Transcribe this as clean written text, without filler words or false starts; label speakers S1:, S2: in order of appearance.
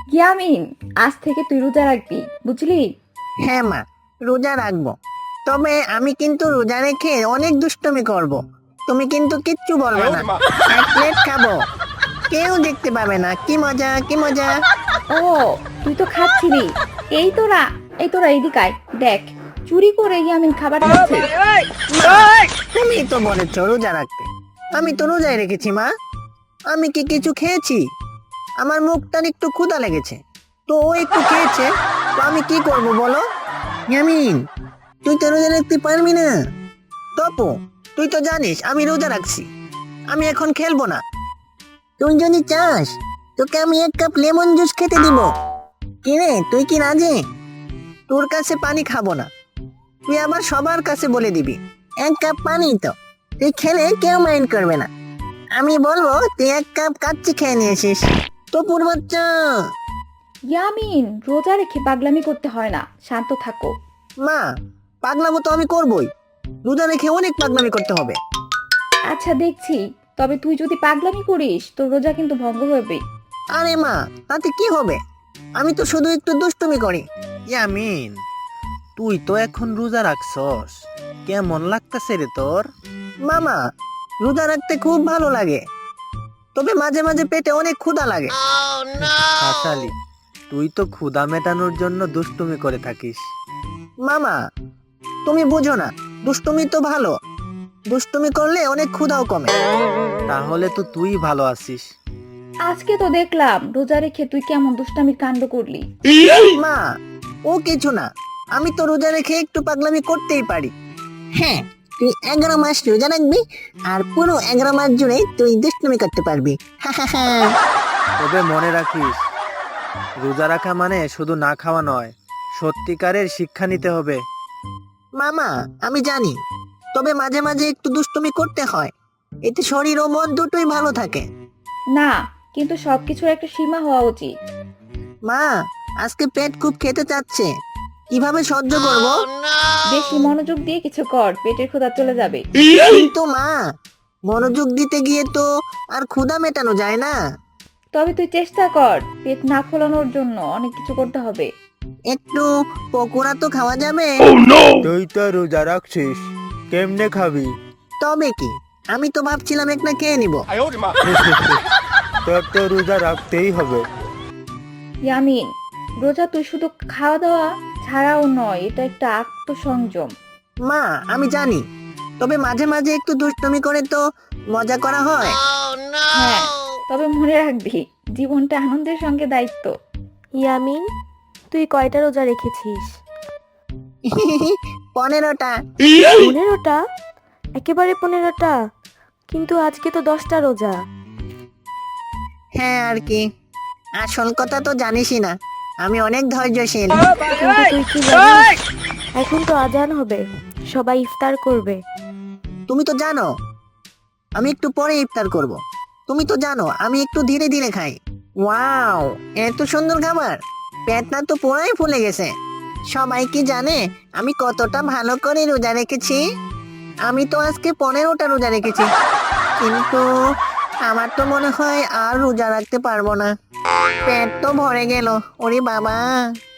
S1: ইয়ামিন, আজ থেকে তুই রোজা রাখবি, বুঝলি?
S2: হ্যাঁ মা, রোজা রাখবো। তবে আমি কিন্তু রোজা রেখে অনেক দুষ্টুমি করব। তুমি কিন্তু কিচ্ছু বলবে না। এক প্লেট খাবো, কেউ দেখতে পাবে না। কি মজা, কি মজা।
S1: ও, তুই তো খাচ্ছিলি। এই তোরা, এদিকে আয়, দেখ চুরি করে ইয়ামিন খাবার খাচ্ছে।
S2: মা, তুমি তো বলেছো রোজা রাখতে। আমি তো রোজাই রেখেছি মা। আমি কি কিছু খেয়েছি? আমার মুখটার একটু ক্ষুধা লেগেছে, তো ও একটু খেয়েছে। তো আমি কি করব বলো? ইয়ামিন, তুই তো রোজা রাখতে পারবি না। তপু, তুই তো জানিস আমি রোজা রাখছি। আমি এখন খেলবো না। তুই যদি চাস, তোকে আমি এক কাপ লেমন জুস খেতে দিব। কি রে, তুই কি রাজি? তোর কাছে পানি খাবো না, তুই আবার সবার কাছে বলে দিবি এক কাপ পানি। তো তুই খেলে কেউ মাইন্ড করবে না। আমি বলবো তুই এক কাপ কাচ্চি খেয়ে নিয়েছিস। তপুর বাচ্চা।
S1: ইয়ামিন, রোজা রেখে পাগলামি করতে হয় না, শান্ত থাকো।
S2: মা, পাগলামো তো আমি করবই। রোজা রেখে অনেক পাগলামি করতে হবে।
S1: আচ্ছা দেখছি, তবে তুই যদি পাগলামি করিস তোর রোজা কিন্তু ভঙ্গ হবে।
S2: আরে মা, তাতে কি হবে? আমি তো শুধু একটু দুষ্টুমি করি।
S3: ইয়ামিন, তুই তো এখন রোজা রাখছস, কেমন লাগতেছে রে তোর?
S2: মামা, রোজা রাখতে খুব ভালো লাগে, তবে মাঝে মাঝে পেটে অনেক ক্ষুধা লাগে।
S3: হাসালি, তুই তো ক্ষুধা মেটানোর জন্য দুষ্টুমি করে থাকিস।
S2: মামা, তুমি বুঝো না, দুষ্টুমি তো ভালো। দুষ্টুমি করলে অনেক ক্ষুধাও কমে।
S3: তাহলে তো তুই ভালো আছিস।
S1: আজকে তো দেখলাম রোজা রেখে তুই কেমন দুষ্টামির কাণ্ড করলি।
S2: মা, ও কিছু না। আমি তো রোজা রেখে একটু পাগলামি করতেই পারি। হ্যাঁ, তুই 11 মাস রোজা রাখবি, আর পুরো 11 মাস জুড়ে তুই দুষ্টুমি করতে পারবি।
S3: তবে মনে রাখিস, রোজা রাখা মানে শুধু না খাওয়া নয়, সত্যিকারের শিক্ষা নিতে হবে।
S2: মামা, আমি জানি, তবে মাঝে মাঝে একটু দুষ্টুমি করতে হয়। এতে শরীর ও মন দুটোই ভালো থাকে।
S1: না, কিন্তু সবকিছুর একটা সীমা হওয়া উচিত।
S2: মা, আজকে পেট খুব খেতে চাচ্ছে, কিভাবে সহ্য করব?
S1: বেশি মনোযোগ দিয়ে কিছু কর, পেটের ক্ষুধা চলে যাবে।
S2: কিন্তু মা, মনোযোগ দিতে গিয়ে তো আর ক্ষুধা মেটানো যায় না।
S1: তবে তুই চেষ্টা কর, পেট না ফোলানোর জন্য অনেক কিছু করতে হবে।
S2: একটু পকোড়া তো খাওয়া যাবে?
S3: তুই তো রোজা রাখছিস, কেমনে খাবি?
S2: তবে কি, আমি তো ভাবছিলাম একটা খেয়ে নিব।
S3: তোর তো রোজা রাখতেই হবে।
S1: ইয়ামিন, রোজা তুই শুধু খাওয়া দাওয়া ছাড়াও নয়, এটা একটা আত্মসংযম।
S2: মা, আমি জানি, তবে মাঝে মাঝে একটু দুষ্টুমি করে তো মজা করা হয়।
S1: হ্যাঁ, তবে মনে রাখবি জীবনটা আনন্দের সঙ্গে দায়িত্ব।
S4: ইয়ামিন, তুই কয়টা রোজা রেখেছিস?
S2: 15টা।
S4: 15টা? একেবারে 15টা? কিন্তু আজকে তো 10টা রোজা।
S2: হ্যাঁ, আর কি, আসল কথা তো জানিসই না, আমি অনেক ধৈর্যশীল।
S4: কিন্তু তুই কি জানিস, এখন তো আজান হবে, সবাই ইফতার করবে।
S2: তুমি তো জানো আমি একটু পরে ইফতার করব। তুমি তো জানো আমি একটু ধীরে ধীরে খাই। ওয়াও, এত সুন্দর খাবার! পেটটা তো পুরাই ফুলে গেছে। সবাই কি জানে আমি কতটা ভালো করে রোজা রেখেছি? আমি তো আজকে 15টা রোজা রেখেছি, কিন্তু আমার তো মনে হয় আর রোজা রাখতে পারবো না। পেট তো ভরে গেল। ওরে বাবা!